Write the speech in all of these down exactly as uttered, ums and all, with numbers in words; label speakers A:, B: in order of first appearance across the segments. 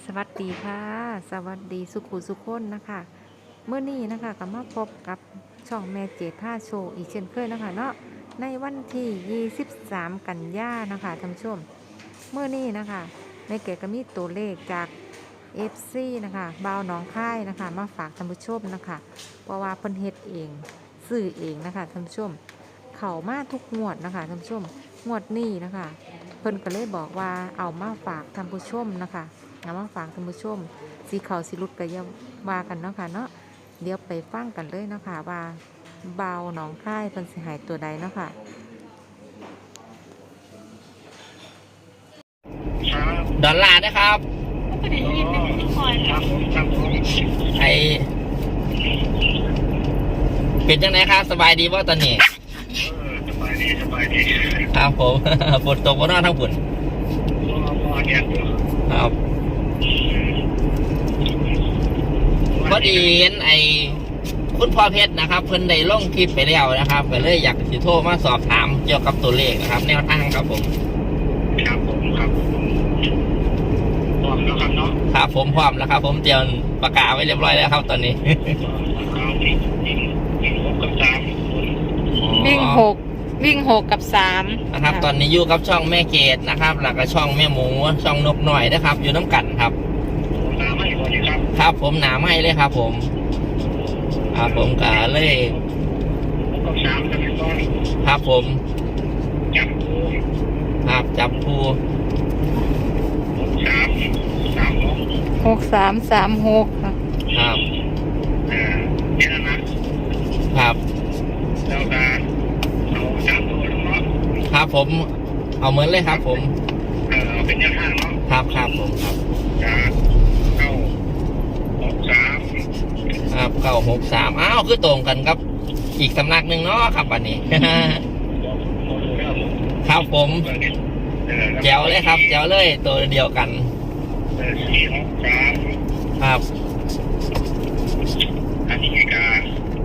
A: สวัสดีค่ะสวัสดีสุขุสุขคนนะคะเมื่อนี้นะคะก็มาพบกับช่องแม่เจท่าโชว์อีกเช่นเคยนะคะเนาะในวันที่ยี่สิบสามกันยานะคะท่านผู้ชมเมื่อนี้นะคะแม่เกดก็มีตัวเลขจาก เอฟ ซี นะคะบ่าวหนองค่ายนะคะมาฝากท่านผู้ชมนะคะเพราะว่าเพิ่นเฮ็ดเองซื้อเองนะคะท่านผู้ชมเข้ามาทุกงวดนะคะท่านผู้ชมงวดนี้นะคะเพิ่นก็เลยบอกว่าเอามาฝากท่านผู้ชมนะคะเอามาฝากท่านผู้ชมสีเขาสีลุดก็อย่าว่ากันเนาะค่ะเนาะเดี๋ยวไปฟังกันเลยเนาะค่ะว่าบ่าวหนองค่ายเพิ่นสิหายตัวใดเนาะค่ะ
B: ดอลลาร์นะครับ
C: ก็ได้ยินเป็นทุกคน
D: ครับผมครับผม
B: ไอเป็นจังไหนครับสบายดีว่าตอนนี้
D: เออสบายดีสบายดี
B: ครับผม ฝนตกบนนอกทั้งฝน
D: พอพอเนี่ยอยู่
B: ครับพอดีเห็นไอคุณพ่อเพชรนะครับเพิ่นได้ลงคลิปไปแล้วนะครับก็เลยอยากสิโทรมาสอบถามเกี่ยวกับตัวเลขนะครับ แนวทางครับผม
D: ครับผมครับผมพร้อมแล้วครับเนาะ
B: ครับผมพร้อมแล้วครับ ผมเตรียมปากกาไว้เรียบร้อยแล้วครับตอนนี้
D: เอาวิ่งวิ่งวิ่งหกกับสามคน
A: วิ่งหกวิ่งหกกับสาม
B: นะครับ ตอนนี้อยู่กับช่องแม่เกดนะครับแล้วก็ช่องแม่หมูช่องนกหน่อยนะครับ อยู่น้ำกันครับ
D: น้ำให้พอดีครับ
B: ครับผมหนาไม่เลยครับ ผมครับผมกะเลย
D: หกกับสามจะเป็นต้น
B: ครับผม
D: จับปู
B: ครับจับผู้
D: หกสามสามหก
A: หกสามสามหกค่ะ
B: ครับ
D: เออเนี่ยนะครับ แล้วการเอาสามตัวแล้วเนาะ
B: ครับผมเอาเหมือนเลยครับ ผม
D: เออเอาเป็นแนวทางเนาะ
B: ครับครับผมครับ
D: จากเก้าหกสาม
B: ครับเก้าหกสามอ้าวคือตรงกันครับอีกสำนักหนึ่งเนาะครับวันนี้ ครับผมแจ๋วเลยครับแจ๋วเลยตัวเดียวกัน
D: สี่หกสาม
B: ครับ
D: อันนี้กา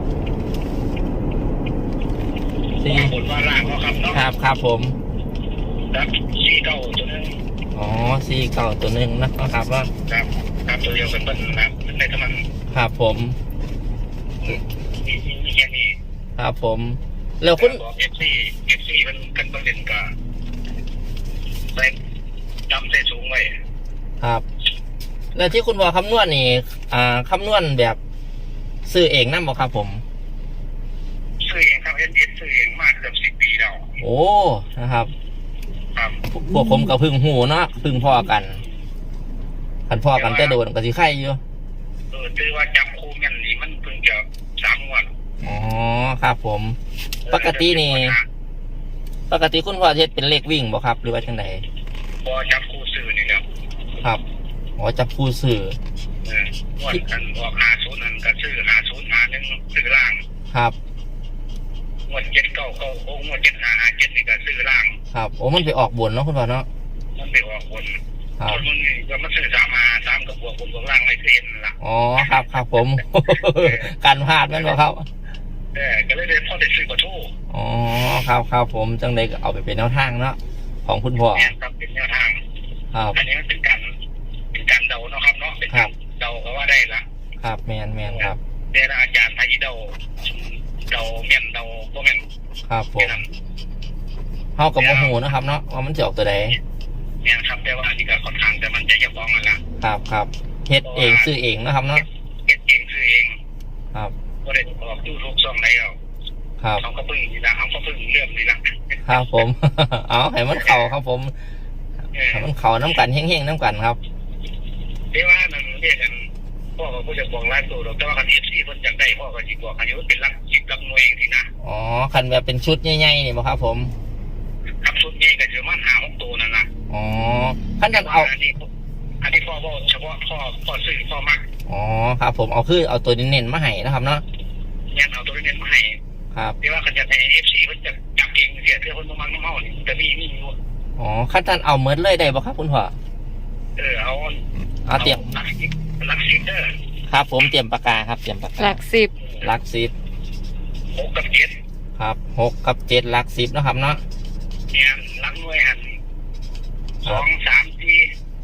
B: สี่
D: บนว่าล่างก็ครับเนาะ
B: ครับครับผม
D: ครับสี่เก้าตัวนึง
B: อ๋อสี่เก้าตัวหนึ่งนะครับว่า
D: ครับครับตัวเดียวกันเบิ้ลนะครับในกำลัง
B: ครับผม
D: มีมีแค่นี้
B: ครับผมแล้วคุณ
D: บอกเอฟซีเอฟซีมันกันเบิ้ลเด่นกาใส่จำใส่สูงไว้
B: ครับ แล้วที่คุณบอกคำนวณนี่อ่าคำนวณแบบซื้อเองนั่นบอกครับผม
D: ซื้อเองครับเอสเอสซื้อเองมากเกือบสิบปีแล้ว
B: โอ้นะครับ
D: ครับ
B: พวกผมกับพึ่งหูเนาะพึ่งพ่อกันกันพ่อกันแต่โดนกับสิไข่อยู่
D: เออถือว่าจับคู่แม่นนี่มันเพิ่งจะสามงวด
B: อ๋อครับผม ปกตินี่ ปกติคุณพ่อเทศเป็นเลขวิ่งบ่ครับ หรือว่าจังได
D: พอจับคู่ซื้อนี่แล้ว
B: ครับอ๋อจับผู้สื่อ
D: เออว่ากันออกหาศูนย์นั่นก็ซื้อหาศูนย์หาหนึ่งซื้อล่าง
B: ครับ
D: งวดเจ็ดเก้าเก้าโอ้งวดเจ็ดหาหาเจ็ดนี่ก็ซื้อล่าง
B: ครับโอ้มันไปออกบนเนาะคุณพ่อเนาะ
D: มันไปออกบน
B: ครับ
D: ส่วนมึงนี่ก็มาซื้อสามหาสามกับบวกบนบวกล่างไม่เซ็นละ
B: อ๋อครับครับผม การพลาดแม่นบ่ครับ
D: เออก็เลยได้พ่อได้ซื้อประตู
B: อ๋อครับครับผมจังไดก็เอาไปเป็นแนวทางเนาะของคุณพ่อ
D: เนี่ยครับเป็นแนวทาง
B: ครับ
D: อันนี้มันเป็นการเป็นการเดาเนาะครับเนาะเป็นการเดาก็ว่าได้ละ
B: ครับแมนแมนครับ
D: แต่ละอาจารย์ไทยเดาเดาแม่นเดาบ่แม่น
B: ครับผ
D: แค่
B: ม
D: นั้น
B: เฮากับโมโหนะครับเนาะว่ามันจะออกตัวใด
D: เนี่ยครับแต่ว่าอันนี้ก็ค่อนข้างแต่มันจะยับฟ้องกันละ
B: ครับครับเฮ็ดเองซื้อเองนะครับเนาะ
D: เก็บเองซื้อเอง
B: ครับ
D: ก็ได้ออกยูทูบช่องไหนเอา
B: ครับ
D: เขาก็เพิ่งนี่ละเขาก็เพิ่งเริ่มนี่ละ
B: ครับผม เอาให้มันเข่าครับผม
D: เออ
B: ให้มันเข่าน้ำกันเฮ้งๆน้ำกันครับ
D: เรียกว่ามันเรียกกันพ่อก็พูดจะบอกร้านตัวแต่ว่าคันเอฟซีเพิ่นอยากได้พ่อก็สิบอกคันนี้มันเป็นรักจิตรักมวยเองสินะ
B: อ๋อคันแบบเป็นชุดใหญ่ๆนี่บ่ครับผม
D: ครับชุดนี้ก็จะมันหาหกตัวนั่นล่ะ
B: อ๋อคันจะเอา
D: อันนี้อันนี้พ่อบอกเฉพาะพ่อพ่อซื้อพ่อมัก
B: อ๋อครับผมเอาคือเอาตัวเน้นๆมาให้นะครับเนาะ
D: เนี่ยเอาตัวนี้มาให้
B: ครับ
D: เรียกว่าคันจะให้เอฟซีเพิ่นจะจับเองเสียเพื่อคนบ่มักน้ำเมานี่จะมีมีอยู่
B: อ๋อคันท่านเอาเมิดเลยได้บ่ครับคุณพ่อ
D: เออเอา
B: เอาเตรียม
D: รักสิรักสิเด้อ
B: ครับผมเตรียมปากกาครับเตรียมปากกา
A: หลักสิบ
B: หลักสิบ
D: หกกับเจ็ด
B: ครับหกกับเจ็ดหลักสิบนะครับเนาะ
D: เนี่ยรักมวยหันสองสามสี่
B: ค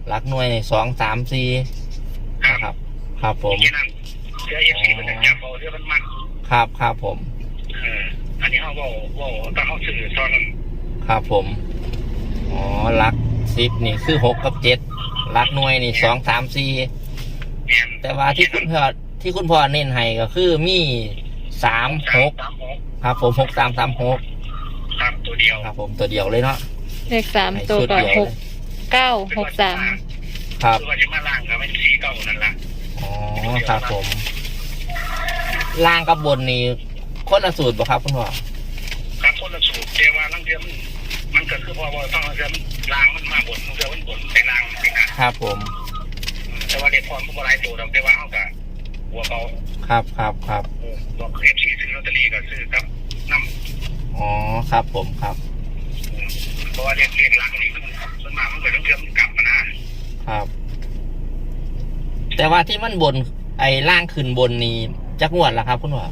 B: หลักหน่วยในสองสามสี่
D: ครับ
B: นะครับ ครับผม
D: แค่นั้นเสื้อเอฟซีมันจะจับเอาเสื้อมันมัน
B: ครับครับผม
D: เอออันนี้เขาบอกว่าต้องเขาสื่อตอนนั้น
B: ครับผมอ๋อหลักสิบนี่คือหกกับเจ็ดหลักหน่วยนี่สองสามสี่
D: แม่น
B: แต่ว่าที่คุณพ่อที่คุณพ่อเน้นให้ก็คือมีสามหก
D: สามหก
B: ครับผมหกสามสามหก
D: ครับตัวเดียว
B: ครับผมตัวเดียวเลยเนาะ
C: เลขสาม
B: ให้
C: ตัว
B: ชุด
C: ก็
B: เดียว
C: หกเก้าหกสาม
B: ครับ
D: คือว่าจะมาล่างกับมันสีเก่านั่นแหละ
B: อ๋อครับผมล่างกับบนนี่คนละสูตรบ่ครับคุณพ่อ
D: ครับคนละสูตรแต่ว่าลังเดือนมันก็คือพอว่าต้องลังเดือนล่างมันมาบนลังเดือนมันบนไปล่างไปนะครับ
B: ผม
D: แต่ว่าเด็กพรมันก็หลายตัวแต่ว่าเขากับหัวเขา
B: ครับครับครับ
D: บอกเอฟซีซื้อลอตเตอรี่ก็ซื้อครับน้
B: อ๋อครับผมครับ
D: ำเพราะว่าเรียกเรียกลังนี่มันส่วนมากมันเกิดลังเดือนมันกลับมานะครับ
B: แต่ว่าที่มันบนไอ้ล่างขึ้นบนนี่จักงวดละครับคุณพ่อ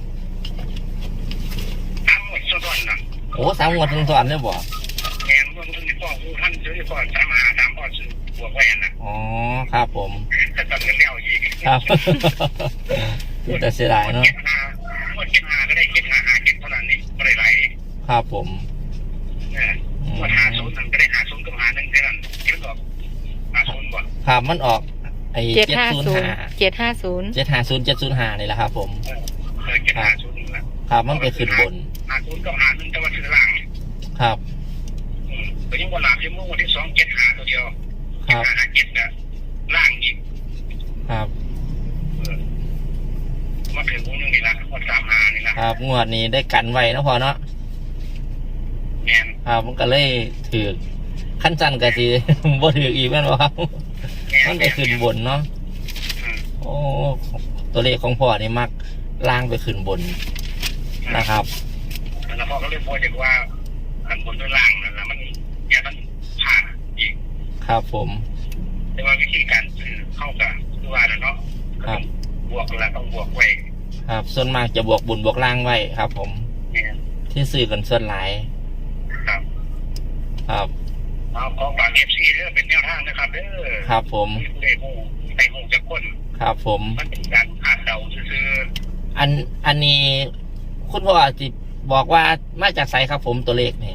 D: ทั้งหมดส่วนนะ
B: โอ้สามงวดทั้งสอนเนี่ยบ่
D: แมนเมื่อมันพ่อผู้ท่านซื้อก่อนสามหาสามพ่อซื้อบวกแหวนนะ
B: อ๋อครับผม
D: แต่ตอนเงินเลี้ยวอีก
B: ครับ แต่เสียดายเนาะ
D: เก็บหาเมื่อเก็บหาก็ได้เก็บหาหาเก็บเท่านั้นนี่ก็ได้ไหล
B: ครับผม
D: เนี่ยเมื่อหาศูนย์หนึ่งก็ได้หาศูนย์กับหาหนึ่งแค่นั้นเก็บก็หาศูนย์บ่
B: ครับมันออกไอ้
C: เจ็ด
B: เจ็ด
C: ห้า
B: ศูนย์
C: ศูนย์
B: ห้า
C: เจ็ดห้าศูนย์
B: เจ็ดห้าศูนย์เจ็ดศูนย์ห้านี่แหละครับผม
D: เออเออเก็บหาศูนย์หนึ่งละ
B: ครับมันไปขึ้นบน
D: หาศูนย์กับหาหนึ่งแต่ว่าซื้อล่าง
B: ครับ
D: อืมก็ยังวันหลับยังเมื่อวันที่สองเจ็ดหาตัวเดียว
B: ครับ
D: หาหาเจ็ดเนี่ยล่างอีก
B: ครับ
D: เออมาถึงวงหนึงนี่ละวันสามหานี่ละ
B: ครับงวดนี้ได้กันไว้เนาะพอเนาะ
D: แมน
B: ครับมันก็เลยถือขั้นจันก็สิ บ่ถืออีกแม่นบ่ครับ
D: แมน
B: มันไปขึ้นบนเนาะ
D: อืม
B: โอ้ตัวเลขของพ่อนี่มักล่างไปขึ้นบนนะครับ
D: แล้วพ่อก็เลยพูดจากว่าอันบนด้วยล่างนั่นแหละมันอย่ามันผ่านอีก
B: ครับผม
D: แต่ว่าวิธีการซื้อเข้ากับคือว่าน่ะเนาะ
B: ครับ
D: บวกแล้วต้องบวกไว้
B: ครับส่วนมากจะบวกบุญบวกล่างไว้ครับ ผม
D: เนี่ย
B: ที่ซื้อกันส่วนหลาย
D: ครับ
B: ครับ
D: เอาของฝากเอฟซีเรื่องเป็นแนวทางนะครับเด้อ
B: ครับผม
D: มีผู้ใดหูในหูจะก้น
B: ครับผม
D: มันเป็นการคาดเดาซื้อ
B: อันอันนี้คุณพ่อจิบอกว่ามาจากไสครับผมตัวเลขนี่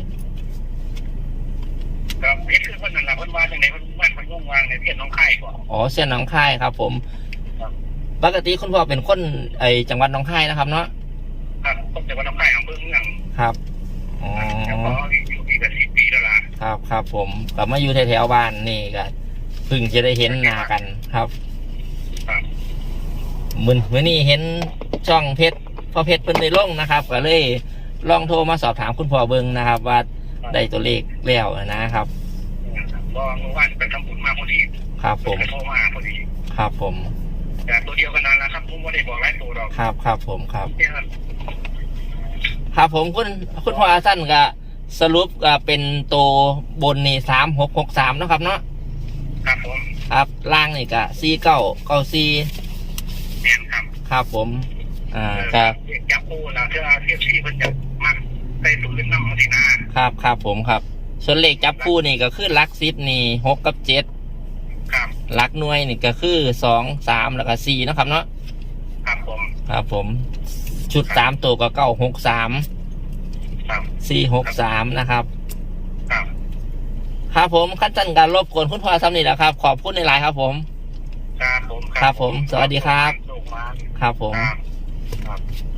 D: ๆครับเฮ็ดคือเพิ่นนั่นล่ะเพิ่นว่าจังไดเพิ่นว่าเพิ่นงงวางในเพี้ยนน้องไข่ก่อน
B: อ๋อเส้นหนองคายครับ ผม
D: ครับ
B: ปกติคุณพ่อเป็นคนไอจังหวัดหนองคายนะครับเนาะ
D: ครับผมจะว่าน้องไข่อำเภอเมือง
B: ครับอ๋อ
D: แล้วก็อยู่ที่กับสิบปีแล้วล่ะ
B: ครับครับผมกลับมาอยู่แถวๆบ้านนี่ก็เพิ่งจะได้เห็นหน้ากันครับ
D: ครับ
B: มือมือนี้เห็นช่องเพชรพ่อเพชรเพิ่นได้ลงนะครับก็เลยลองโทรมาสอบถามคุณพ่อเบิงนะครับ ว่าได้ตัวเลขแล้วนะครับ
D: ก็เมื่อวานไปทำบุญมาพอดี
B: ครับผม
D: ไปโทรมาพอดี
B: ครับผม
D: แต่ตัวเดียวกันนั่นแหละครับผมไม่ได้บอกหลายตัวหรอก
B: ครับครับผมครับ
D: แค่นั้น
B: ครับผมคุณคุณพ่ออาสั้นก็สรุปก็เป็นตัวบนนี่สามหกหกสามนะครับเนาะ
D: ครับผม
B: ครับล่างนี่ก็สี่เก้าเก้าสี่
D: แม่นครับ
B: ครับผมอ่า
D: เออ
B: ครับ
D: จับคู่แล้วเชื่อเทียบชีพเพิ่นจะมักใส่ตัวเล่นน้ำมันสินะครับ
B: ครับผมครับส่วนเลขจับคู่นี่ก็คือหลักสิบนี่หกกับเจ็ด
D: ครับ
B: หลักหน่วยนี่ก็คือสองสามแล้วก็สี่นาะครับเนาะ
D: ครับผม
B: ครับผมชุดสามตัวก็เก้าหกสาม
D: ครับ
B: สี่หกสามนะครับ
D: ครับ
B: ครับผมขั้นตอนการรบกวนคุณพ่อซ้ำนี่แหละครับขอบคุณในไลน์ครับผม
D: ครับผม
B: ครับผมสวัสดีครับ
D: ส่งมา
B: ครับผม
D: ครับครับ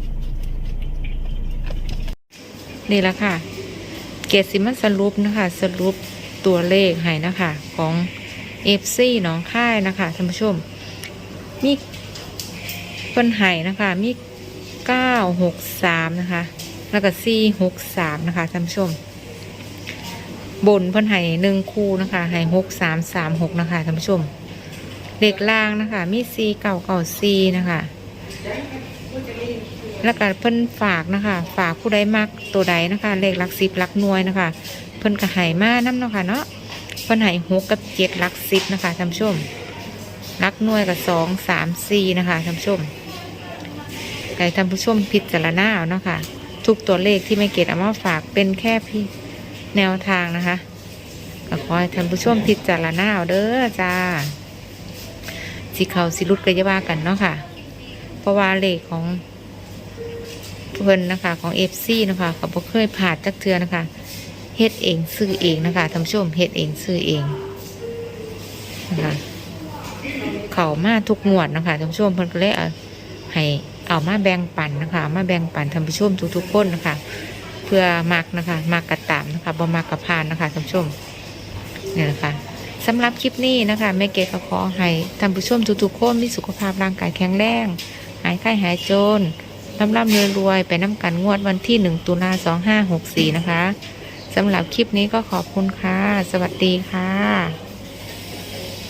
A: นี่แหละค่ะ เกรดสิมันสรุปนะคะ สรุปตัวเลขให้นะคะ ของ เอฟ ซี หนองค่ายนะคะท่านผู้ชม มีเพิ่นไห้นะคะ มีเก้าหกสามนะคะ แล้วก็สี่หกสามนะคะท่านผู้ชม บนเพิ่นไห้หนึ่งคู่นะคะไห้หกสามสามหกนะคะท่านผู้ชมเลขล่างนะคะ มีสี่เก้าเก้าสี่นะคะ แล้วก็เพิ่นฝากนะคะ ฝากผู้ใดมักตัวใดนะคะ เลขหลักสิบหลักหน่วยนะคะ เพิ่นก็ให้มานํเนาะค่ะเนาะเพิ่นให้หกกับเจ็ดหลักสิบนะคะท่านผู้ชมหลักหน่วยกับสองสามสี่นะคะท่านผู้ชมให้ท่านผู้ชมพิจารณาเอาเนาะค่ะทุกตัวเลขที่ไม่เกตเอามาฝากเป็นแค่พี่แนวทางนะคะก็ขอให้ท่านผู้ชมพิจารณาเอาเด้อจ้าสิเขาสิรุดก็จะว่ากันเนาะค่ะเพราะว่าเลขของเพิ่นนะคะของ เอฟ ซี นะคะเขาบ่เคยผ่านจักเทื่อนะคะเฮ็ดเองซื้อเองนะคะท่านผู้ชมเฮ็ดเองซื้อเองนะคะเขามาทุกงวดนะคะท่านผู้ชมเพิ่นก็เลยเอาให้เอามาแบ่งปันนะคะมาแบ่งปันท่านผู้ชมทุกๆคนนะคะเพื่อมักนะคะมักกระตามนะคะบ่มักกระพานนะคะท่านผู้ชมเนี่ยนะคะสำหรับคลิปนี้นะคะแม่เกดก็ขอให้ท่านผู้ชมทุกๆคนมีสุขภาพร่างกายแข็งแรงหายไข้หายจนร่ำร่ำรวยๆไปน้ำกันงวดวันที่หนึ่งตุลาสองห้าหกสี่นะคะสำหรับคลิปนี้ก็ขอบคุณค่ะสวัสดีค่ะ